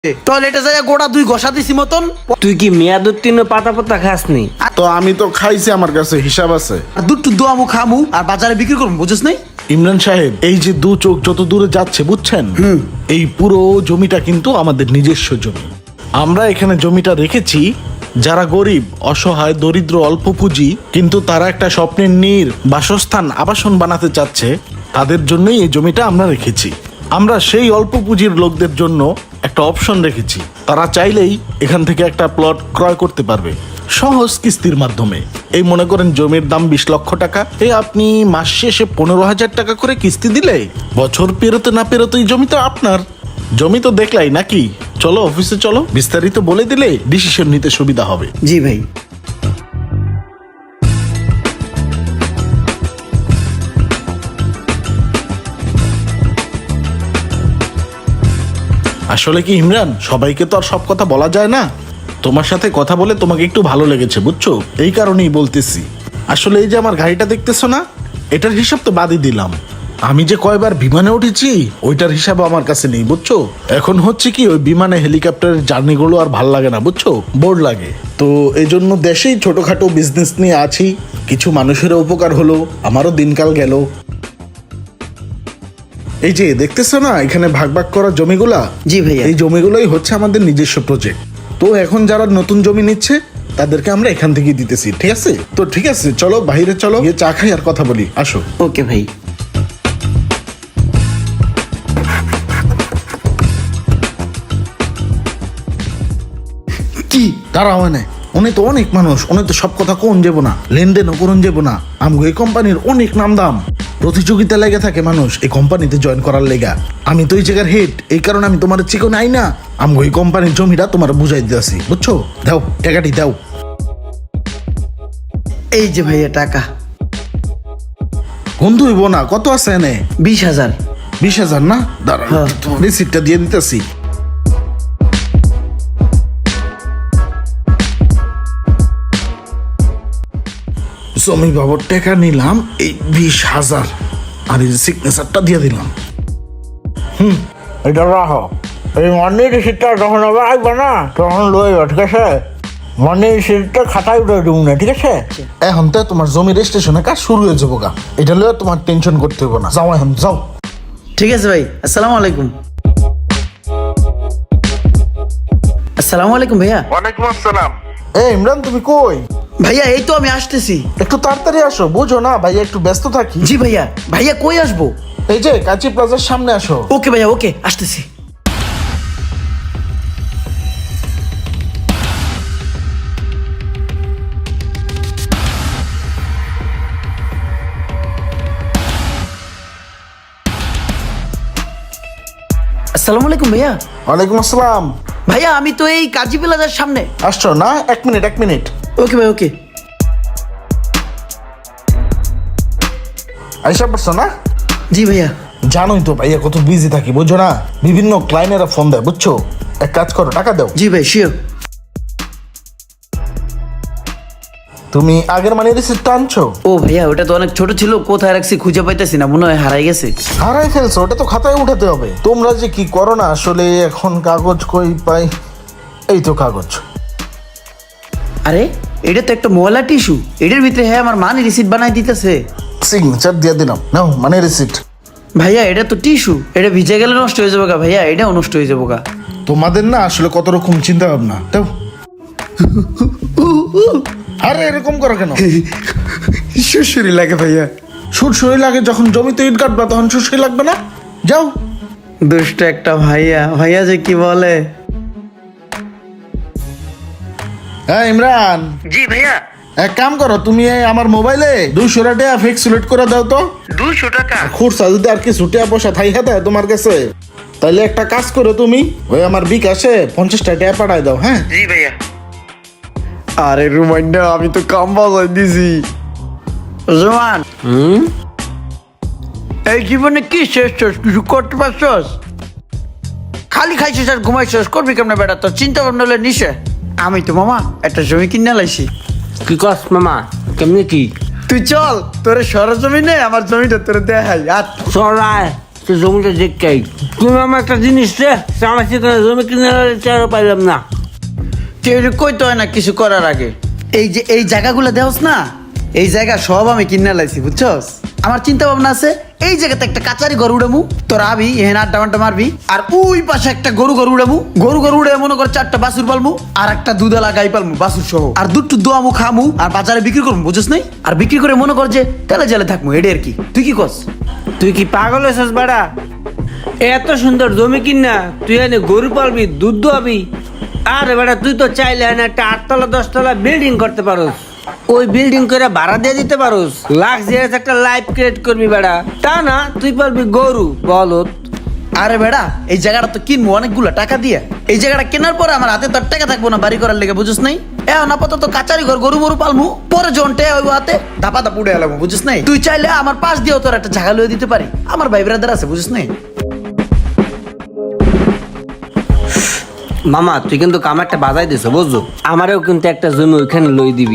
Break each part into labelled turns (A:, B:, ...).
A: টয়লেটে যাই গোড়া 2 ঘষা দিছি মতন।
B: তুই কি মেয়াদ উত্তীর্ণ পাতা পাতা খাসনি?
C: তো আমি তো খাইছি, আমার কাছে হিসাব আছে।
A: আর দুধ টুধ দোয়ামু খামু আর বাজারে বিক্রি করবো, বুঝছ নাই?
C: ইমরান সাহেব, এই যে দু চোখ যত দূরে যাচ্ছে বুঝছেন, এই পুরো জমিটা কিন্তু আমাদের নিজস্ব জমি। আমরা এখানে জমিটা রেখেছি যারা গরিব, অসহায়, দরিদ্র, অল্প পুঁজি, কিন্তু তারা একটা স্বপ্নের নীড়, বাসস্থান, আবাসন বানাতে চাচ্ছে, তাদের জন্যই এই জমিটা আমরা রেখেছি। আমরা সেই অল্প পুঁজির লোকদের জন্য একটা অপশন রেখেছি, তারা চাইলেই এখান থেকে একটা প্লট ক্রয় করতে পারবে সহজ কিস্তির মাধ্যমে। এই মনে করেন জমির দাম 20 লক্ষ টাকা, আপনি মাস শেষে 15,000 টাকা করে কিস্তি দিলে বছর পেরোতে না পেরোতেই জমি তো আপনার। জমি তো দেখলাই নাকি? চলো অফিসে চলো, বিস্তারিত বলে দিলে ডিসিশন নিতে সুবিধা হবে।
A: জি ভাই।
C: আসলে কি ইমরান, সবাইকে তো আর সব কথা বলা যায় না। তোমার সাথে কথা বলে তোমাকে একটু ভালো লেগেছে বুঝছো, এই কারণেই বলতেছি। আসলে এই যে আমার গাড়িটা দেখতেছো না, এটার হিসাব তো বাদই দিলাম। আমি যে কয়বার বিমানে উঠেছি ওইটার হিসাব আমার কাছে নেই বুঝছো। এখন হচ্ছে কি, ওই বিমানে হেলিকপ্টারের জার্নিগুলো আর ভাল লাগে না বুঝছো, বোর লাগে। তো এই জন্য দেশেই ছোটখাটো বিজনেস নিয়ে আছি, কিছু মানুষের উপকার হলো, আমারও দিনকাল গেল। এই যে দেখতেছো না এখানে ভাগ ভাগ করা জমিগুলা,
A: জি ভাইয়া।
C: এই জমিগুলোই হচ্ছে আমাদের নিজস্ব প্রজেক্ট। তো এখন যারা নতুন জমি নিচ্ছে তাদেরকে আমরা এখান থেকে দিতেছি, ঠিক আছে? তো ঠিক আছে, চলো বাইরে চলো, গিয়ে চা খাই আর কথা বলি, আসো।
A: ওকে ভাই।
C: কি দাঁড়াও মানে, উনি তো অনেক মানুষ, উনি তো সব কথা কোন যাবো না, লেনদেনও করুন যাবো না। আমগো এই কোম্পানির অনেক নাম দাম, প্রতিযোগিতা লেগে থাকে মানুষ এই কোম্পানিতে জয়েন করার লেগা। আমি তো এই জায়গার হেড, এই কারণে আমি তোমার চিকন আই না। আমগো এই কোম্পানির জমিটা তোমার বুঝাই দিয়েছি বুঝছো। দাও টাকাটি দাও।
A: এই যে ভাইয়া টাকা।
C: বন্ধু হইব না, কত আছে এনে?
A: 20,000।
C: 20,000 না? দাঁড়া,
A: হ্যাঁ।
C: তোমার রিসিপ্টটা দিয়ে দিতেছি। জমি বাবদ টাকা নিলাম এই 20,000, আর এই সিগনেচারটা দিয়ে দিলাম।
D: এটা রাখো। এই মানি রিসিপ্টটা যখন আবার আসবে না তখন লইবা, ঠিক আছে? মানি রিসিপ্টটা খাতায় উঠে দেবো না, ঠিক আছে?
C: এখন তো তোমার জমি রেজিস্ট্রেশনের কাজ শুরু হয়ে যাবো গা, এটা লইয়া তোমার টেনশন করতে হবে না। যাও এখন যাও।
A: ঠিক আছে ভাই, আসসালামু আলাইকুম। আসসালামু আলাইকুম ভাইয়া।
D: ওয়ালাইকুম আসসালাম।
C: ইমরান তুমি কই?
A: ভাইয়া এই তো আমি আসতেছি।
C: একটু তাড়াতাড়ি আসো, বুঝো না ভাইয়া একটু ব্যস্ত থাকি।
A: জি ভাইয়া। ভাইয়া কই আসবো?
C: এই যে কাঁচি প্লাজার সামনে আসো।
A: ওকে ভাইয়া, ওকে আসতেছি। আসসালামু আলাইকুম ভাইয়া।
C: ওয়ালাইকুম আসসালাম।
A: ভাইয়া আমি তো এই কাজী প্লাজার সামনে।
C: আসছো না? এক মিনিট।
A: ওকে ভাই, ওকে।
C: আইসা পড়ছো না?
A: জি ভাইয়া।
C: জানোই তো ভাইয়া কত বিজি থাকি, বুঝছো না? বিভিন্ন ক্লায়েন্টেরা ফোন দেয় বুঝছো। এক কাজ করো, টাকা দাও।
A: জি ভাই, শিওর।
C: তুমি আগের মানি রিসিপ্টটা আনছো?
A: ও ভাইয়া, ওটা তো অনেক ছোট ছিল, কোথায় রাখছি খুঁজে পাইতেছি না, মনে হয় হারাই গেছে।
C: হারাই ফেলছো? ওটা তো খাতায় উঠাতে হবে। তোমরা যে কি করো না আসলে, এখন কাগজ কই পাই? এই তো কাগজ।
A: আরে এটা তো একটা ময়লা টিস্যু, এটার ভিতরে হ্যাঁ আমার মানি রিসিট বানাই দিতেছে।
C: সিগনেচার দিয়ে দিলাম, নাও মানি রিসিপ্ট।
A: ভাইয়া এটা তো টিস্যু, এটা ভিজে গেলে নষ্ট হয়ে যাবো গা ভাইয়া, এটাও নষ্ট হয়ে যাবো গা।
C: তোমাদের না আসলে কত রকম চিন্তা ভাবনা। দাও। আরে এরকম করো কেন?
A: সুরসুরি লাগে ভাইয়া।
C: সুরসুরি লাগে যখন জমিতে ইট কাটবা, তখন সুরসুরি লাগবে না? যাও।
A: দুষ্ট একটা ভাইয়া, ভাইয়া যে কি বলে।
C: হ্যাঁ ইমরান,
A: জি ভাইয়া।
C: এক কাম করো, তুমি এই আমার মোবাইলে 200 টাকা ফিক্স সিলেক্ট করে দাও তো।
A: 200 টাকা?
C: খুরসা যদি আর কি ছুটিয়া পয়সা থাই হাতে তোমার কাছে, তাহলে একটা কাজ করো, তুমি ওই আমার বিকাশে 50 টাকা পাঠায় দাও। হ্যাঁ
A: জি ভাইয়া। আরে রুমান্ডা, আমি তো কাম বাজাই দিছি। জোয়ান, এই জীবনে কি শেষ কিছু করতে পারছস? খালি খাইছিস আর ঘুমাইছিস, করবি কেমনে বেটা? তোর চিন্তা ভাবনা হলে নিশে। আমি তো মামা একটা জমি কিনে লাইছি।
B: কি কস মামা? কেমনি কি?
A: তুই চল, তোরে সরজমিনে আমার জমিটা তোরে দেখাই। আর
B: চড়ায় তো জমিটা দেখকাই তুমি আমার একটা জিনিস রে আমার সেখানে জমি কিনে চারও পাইলাম না।
A: কেউ কইতে হয় না কিছু করার আগে। এই যে এই জায়গাগুলো দেওস না, এই জায়গা সব আমি কিনে লাইছি বুঝছস। আমার চিন্তা ভাবনা আছে এই জায়গাতে একটা কাচারি ঘর উড়ামু, তোর আবি এহেন আড্ডা মাড্ডা মারবি, আর ওই পাশে একটা গরু ঘর উড়ামু, গরু ঘর উড়ে মনে কর 4টা বাছুর পালমু আর একটা দুধালা গাই পালমু বাছুর সহ, আর দুধ দোয়ামু খামু আর বাজারে বিক্রি করবো বুঝছ নাই। আর বিক্রি করে মনে কর যে তেলে জেলে থাকবো, এডে আর কি। তুই কি কস?
B: তুই কি পাগল হয়েছিস বেড়া? এত সুন্দর জমি কিনা তুই এনে গরু পালবি, দুধ দোয়াবি। আরে বেটা তুই তো চাইলে এনে একটা 8তলা 10তলা বিল্ডিং করতে পারোস, ওই বিল্ডিং করে ভাড়া দিয়ে দিতে পারোস, লাক্সারিয়াস একটা লাইফ ক্রিয়েট করবি বেড়া। তা না তুই পালবি গরু বলদ।
A: আরে বেড়া এই জায়গাটা তো কিনবো অনেকগুলো টাকা দিয়ে, এই জায়গাটা কেনার পরে আমার হাতে তো আর টাকা থাকবো না বাড়ি করার লেগে বুঝছ নাই। এখন আপাতত কাচারি ঘর গরু মরু পালমু, পরে জন্টে ওই হাতে ধাপা ধাপ উড়ে এলাম বুঝছ নাই। তুই চাইলে আমার পাশ দিয়েও তোর একটা জায়গা লয়ে দিতে পারি, আমার ভাই ব্রাদার আছে বুঝছ নাই।
B: মামা তুই কিন্তু কামারটা বাজাই দিছ বুঝছো, আমারও কিন্তু একটা জমি ওইখানে লই দিবি।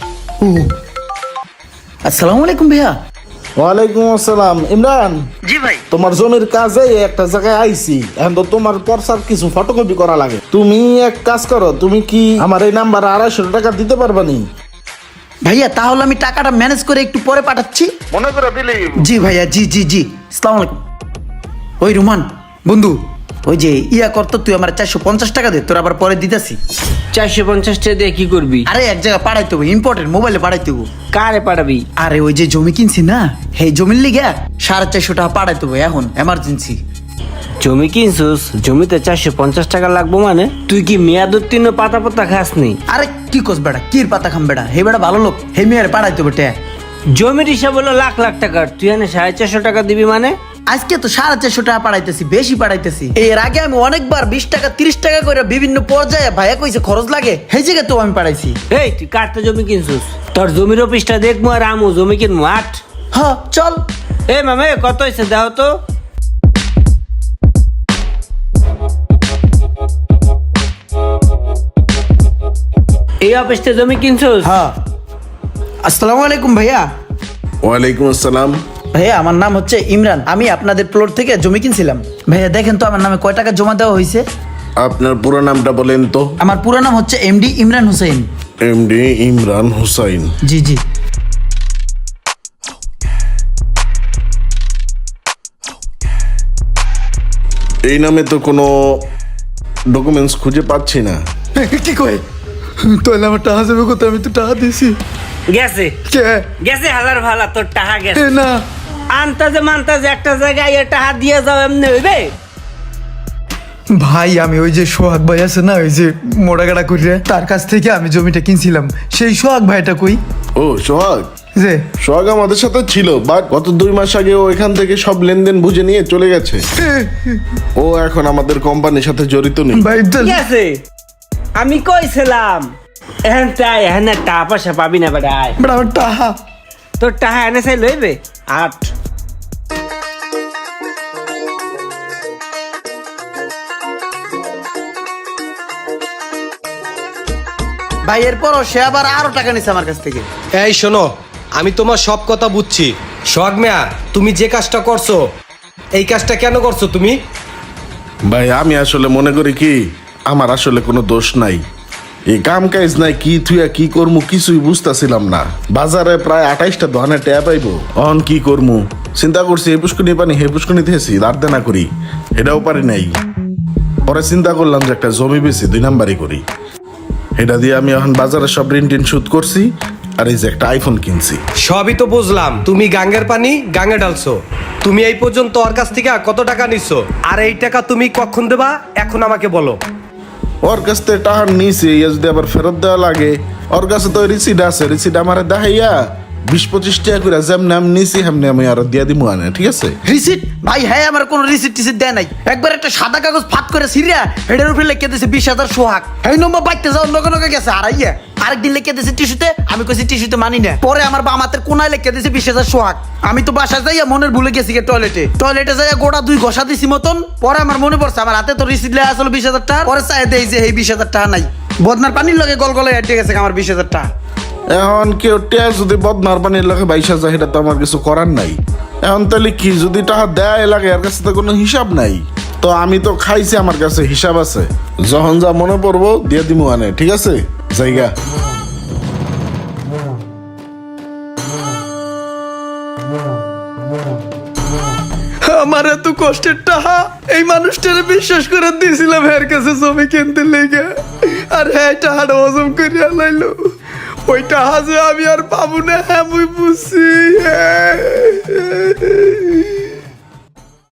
A: আসসালামু আলাইকুম ভাইয়া।
C: ওয়ালাইকুম আসসালাম। ইমরান,
A: জি ভাই।
C: তোমার জমির কাজে একটা জায়গায় আইছি, এখন তো তোমার পর্সার কিছু ফটোকপি করা লাগে। তুমি এক কাজ করো, তুমি কি আমার এই নাম্বারে 250 টাকা দিতে পারবা নি?
A: ভাইয়া তাহলে আমি টাকাটা ম্যানেজ করে একটু পরে পাঠাচ্ছি।
C: মনে করে দিলি।
A: জি ভাইয়া, জি জি জি। আসসালামু আলাইকুম। ওই রুমান বন্ধু, ওই যে ইয়া করতো তুই আমার 450 টাকা দে, তোর আবার পরে দিতেছি।
B: 450 টাকা দিয়ে কি করবি?
A: আরে এক জায়গায় পাঠাইতে হবে, ইম্পর্টেন্ট, মোবাইলে পাঠাইতে হবে।
B: কারে পাঠাবি?
A: আরে ওই যে জমি কিনছি না, সেই জমির লিগে 450 টাকা পাঠাইতে হবে এখন এমার্জেন্সি।
B: জমি কিনছিস, জমিতে 450 টাকা লাগবো মানে? তুই কি মেয়াদ উত্তীর্ণ পাতা পাতা খাস নি?
A: আরে কি কস বেড়া, কির পাতা খাম বেড়া, হে বেড়া ভালো লোক, হে মেয়ের পাঠাইতে হবে ট্যা।
B: জমির হিসাব হলো লাখ লাখ টাকার, তুই এনে 450 টাকা দিবি মানে?
A: আজকে তো 450 টাকা পাঠাইতেছি, বেশি পাঠাইতেছি। এর আগে আমি অনেকবার 20 টাকা 30 টাকা করে বিভিন্ন পর্যায়ে ভাইয়া কইছে খরচ লাগে, সেই জায়গায় তো আমি পাঠাইছি।
B: এই তুই কাটতে জমি কিনছিস, তোর জমির অফিসটা দেখবো আর আমু জমি কিনবো। আট
A: হ্যাঁ চল।
B: এ মামে কত হয়েছে দাও তো। এই অফিসটা জমি কিনছিস?
A: হ্যাঁ। আসসালামু আলাইকুম ভাইয়া।
E: ওয়ালাইকুম আসসালাম।
A: ভাইয়া আমার নাম হচ্ছে ইমরান, আমি আপনাদের প্লট থেকে জমি কিনছিলাম। ভাইয়া দেখেন তো আমার নামে কয় টাকা জমা দেওয়া হয়েছে।
E: আপনার পুরো নামটা বলেন তো।
A: আমার পুরো নাম হচ্ছে এমডি ইমরান হোসেন।
E: এমডি ইমরান হুসাইন।
A: জি জি।
E: এই নামে তো কোনো ডকুমেন্টস খুঁজে পাচ্ছি না।
A: কি কয় তাহলে আমার টাকা যাবে কত, আমি তো টাকা দিয়েছি।
B: গেছে
A: কে
B: গেছে হালার ভালা, তোর টাকা গেছে।
A: না
B: আনতাজে মানতাজে একটা জায়গায় এ টাকা দিয়ে যাও এমনি হইবে?
F: ভাই আমি ওই যে সোহাগ ভাই আছে না, ওই যে মোড়াগাড়া করে তার কাছ থেকে আমি জমিটা কিনছিলাম, সেই সোহাগ ভাইটা কই
E: ও সোহাগ,
F: যে
E: সোহাগ আমাদের সাথে ছিল, বাট গত 2 মাস আগে ও এখান থেকে সব লেনদেন বুঝে নিয়ে চলে গেছে। ও এখন আমাদের কোম্পানির সাথে জড়িত নেই।
F: ভাই
B: গেছে, আমি কইছিলাম এখানে টাকা পয়সা পাবি না বেটা। আয়
F: বড় আমার টাকা
B: তোর টাকা এনে চাই লইবে। আট
A: ভাই এরপরও সে আবার আরো টাকা নিছে আমার কাছ থেকে।
G: এই শোনো, আমি তোমার সব কথা বুঝছি। সোহাগ মিয়া, তুমি যে কাজটা করছো, এই কাজটা কেন করছো তুমি?
E: ভাই আমি আসলে মনে করি কি, আমার আসলে কোনো দোষ নাই। এই কাম কাজ নাই, কি থুয়া কি করমু কিছুই বুঝতেছিলাম না। বাজারে প্রায় 28টা দোকানে ট্যাপ আইবো, অন কি করমু চিন্তা করছি। এই পুষ্কনি পানি হে পুষ্কনি থেছি দাঁড় দেনা করি, এটাও পারি নাই। পরে চিন্তা করলাম যে একটা জমি বেশি 2 নাম্বারই করি। এটা দিয়ে আমি এখন বাজারে সব ঋণ টিন শোধ করছি, আর এই যে একটা আইফোন কিনছি।
G: সবই তো বুঝলাম, তুমি গাঙ্গের পানি গাঙ্গে ঢালছো। তুমি এই পর্যন্ত ওর কাছ থেকে কত টাকা নিচ্ছ, আর এই টাকা তুমি কখন দেবা এখন আমাকে বলো।
E: ওর কাছ থেকে টাকা নিছি, যদি আবার ফেরত দেওয়া লাগে, ওর কাছে তো রিসিট আছে, রিসিট আমার দেখাইয়া 20-25 টাকা করে যেমনি আমি নিছি হেমনি আমি আরো দিয়ে দিব আনে, ঠিক আছে?
A: রিসিট? ভাই হ্যাঁ আমার কোনো রিসিট টিসিট দেয় নাই। একবার একটা সাদা কাগজ ফাত করে সিরিয়া হেডের উপরে লিখে দিয়েছে 20,000 সোহাগ। এই নম্বর বাইতে যাও লগে লগে গেছে হারাইয়া। আরেকদিন লিখে দিয়েছে টিস্যুতে, আমি কইছি টিস্যুতে মানি না। পরে আমার বাম হাতের কোনায় লিখে দিয়েছে 20,000 সোহাগ। আমি তো বাসায় যাইয়া মনের ভুলে গেছি টয়লেটে যাইয়া গোড়া 2 ঘষা দিছি মতন। পরে আমার মনে পড়ছে আমার হাতে তো রিসিট লেখা আসলে 20,000 টাকা। পরে চাই দেই যে এই 20,000 টাকা নাই, বদনার পানির লগে গলগলে আটকে গেছে আমার 20,000 টাকা।
E: এখন কেউ টিয়া যদি বদনার পানির লাগে 22,000, এটা তো আমার কিছু করার নাই। এখন তাহলে কি যদি টাকা দেয় লাগে এর কাছে তো কোনো হিসাব নাই। তো আমি তো খাইছি, আমার কাছে হিসাব আছে, যখন যা মনে পড়বো দিয়ে দিমু আনে, ঠিক আছে জায়গা।
F: আমার এত কষ্টের টাকা এই মানুষটারে বিশ্বাস করে দিয়েছিলাম এর কাছে জমি কিনতে লেগে, আর হ্যাঁ টাকাটা হজম করিয়া লাইলো। ওই টাকা যে আমি আর পাবো না, হ্যাঁ মুই বুঝছি।